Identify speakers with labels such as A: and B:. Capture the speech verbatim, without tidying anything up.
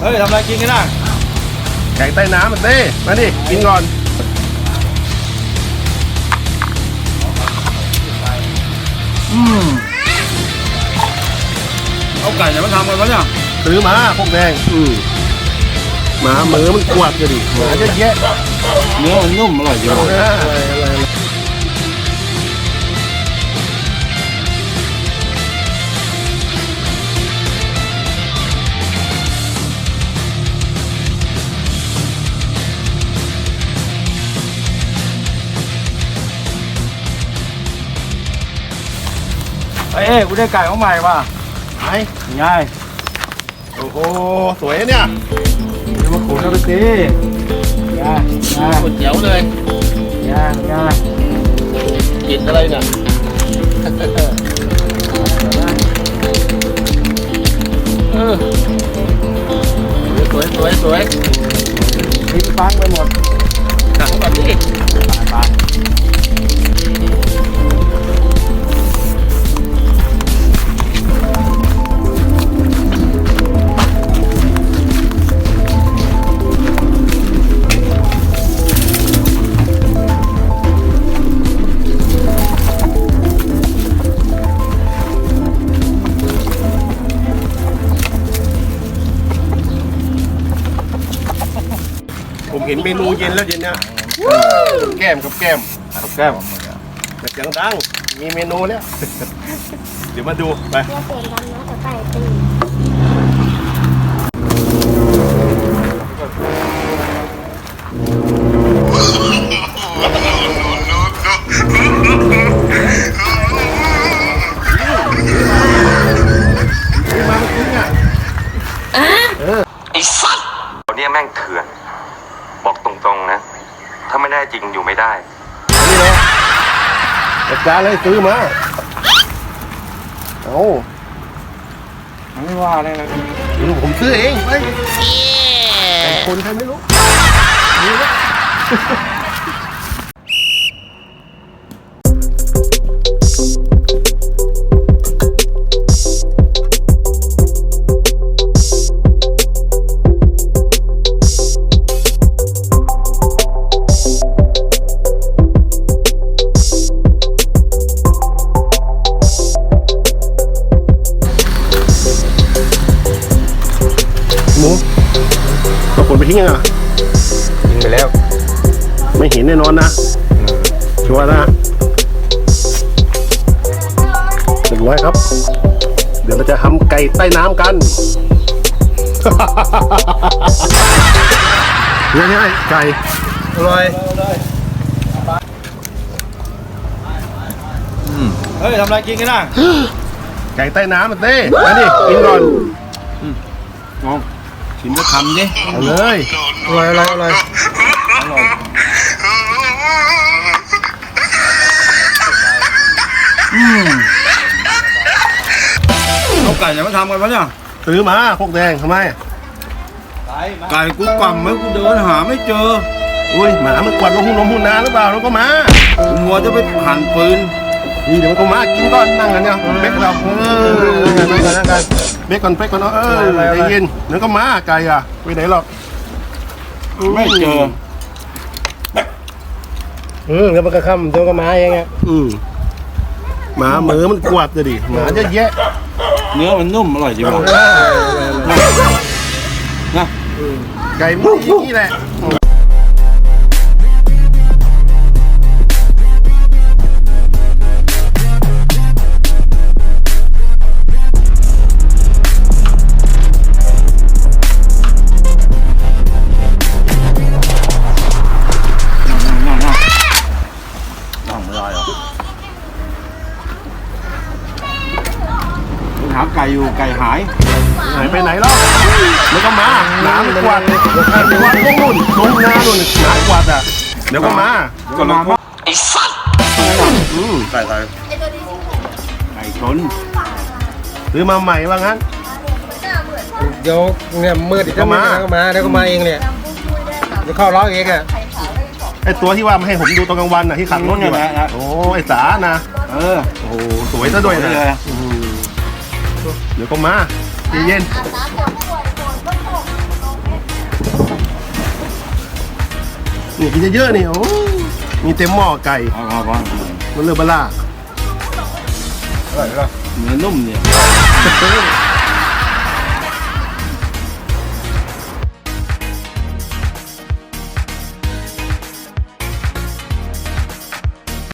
A: ฮ้ยทำอะไรกินกันนะ
B: แกงใต้น้ำมันเต้มาดิกินก่อน
A: อืมเอาไก่จะมาทำกันวะเนี่ย
B: ซื้อมาพวกแดงอืมหมาเหมือมันกวาดกันดิหมาเยอะแยะ
A: เนื้อมันนุ่มอร่อยจังเอ้ยกูได้ไก่ของใหม่ว่ะ
B: ไอ้
A: ง่าย
B: โอ้โหสวยเนี่ย
A: เดี๋ยวมาขูดเอาไปสิง่ายง่าย
B: เจ๋วเลย
A: ง่ายง่าย
B: กินอะไรเนี่ยเออสวยสวยสวย
A: ทิ้งฟังไปหมด
B: หนังแบบนี้
A: ไป
B: ผมเห็นเมนูเย็นแล้วเย็นเนี่ยแก้มกับแก้ม
A: กับแก้ม
B: แต่เสียงดังมีเมนูแล้วเดี๋ยวมาดูไป
C: เสียงดังนะแต่ไก่ตี
D: ไอ้สัตว์เราเนี่ยแม่งเถื่อนบอกตรงๆนะถ้าไม่ได้จริงอยู่ไม่ได้
B: นี่เลยจัดการเลยซื้อมาโอ้
A: ไม่ว่าอะไรนะ
B: ผมซื้อเองไปแต่คนใครไม่รู้นี่นะหมูเอาผลไปทิ้งยังอ่ะ
A: ยิงไปแล้ว
B: ไม่เห็นแน่นอนนะชัวร์นะเรียบร้อยครับเดี๋ยวเราจะทำไก่ใต้น้ำกันนี่นี่ไก่อร่อย
A: เฮ้ยทำอะไรกินกันนะ
B: ไก่ใต้น้ำมันเต้มาดิกินก่อน
A: งงชิมก็ทำดิ
B: เอาเลยอะไรอะไรอะไร
A: อร่อยอืมเอาไก่จะมาทำกันวะเนี่ย
B: ซื้อมาพวกแดงทำไม
A: ไก่กูกล่ำไหมกูเดินหาไม่เจอ
B: อุ้ยหมามันกวาดลงหุ่นลงหุ่นนาหรือเปล่าแล้วก็มา
A: หัวจะไปหั่นปืน
B: นี่เดี๋ยวมันก็มากินก่อนนั่งกันเนี่ยเบ๊กเราเออนั่งกันนั่งกันเบ๊กก่อนเบ๊กก่อนเออใจเย็นเดี๋ยวก็มาไก่อ่ะไปไหนหรอก
A: ไม่เจอ
B: อืมแล้วมันก็ค่ำเดี๋ยวก็มาเองอ่ะอืมหมาเหมือมันกวาดเลยดิหมาเยอะแยะ
A: เนื้อมันนุ่มอร่อยจริงๆนะ
B: ไก่มันนี่แหละ
A: หาไก่อยู่ไก่หาย
B: หายไปไหนแล้วแล้วก็มาหนามันกวาดกวาดลงนู่นลงนานู่นหนากวาดอ่ะเดี๋ยวก็มา
A: ก็มา
D: ไอ้สัตว์
B: อืมไก่ไก่
A: ไก่ชน
B: ซื้อมาใหม่ว่างั้น
E: เดี๋ยวเนี่ยมืดอีกแล้วมาก็มาเดี๋ยวก็มาเองเนี่ยเดี๋ยวเข้าล้อเองอ่ะ
B: ไอตัวที่ว่ามาให้ผมดูตอนกลางวันน่ะที่ขับรถอยู่อ่ะโอ้ไอสานะ
A: เออ
B: โอ้สวยซะด้วยนะเดี๋ยวก็มาเย็นนี่กินเยอะๆนี่โอ้มีเต็มหม้อไก่
A: เอาเอาเอา
B: มันเลือบล่า
E: อร่อยเหรอ
A: เนื้อนุ่มเนี่ย
B: เ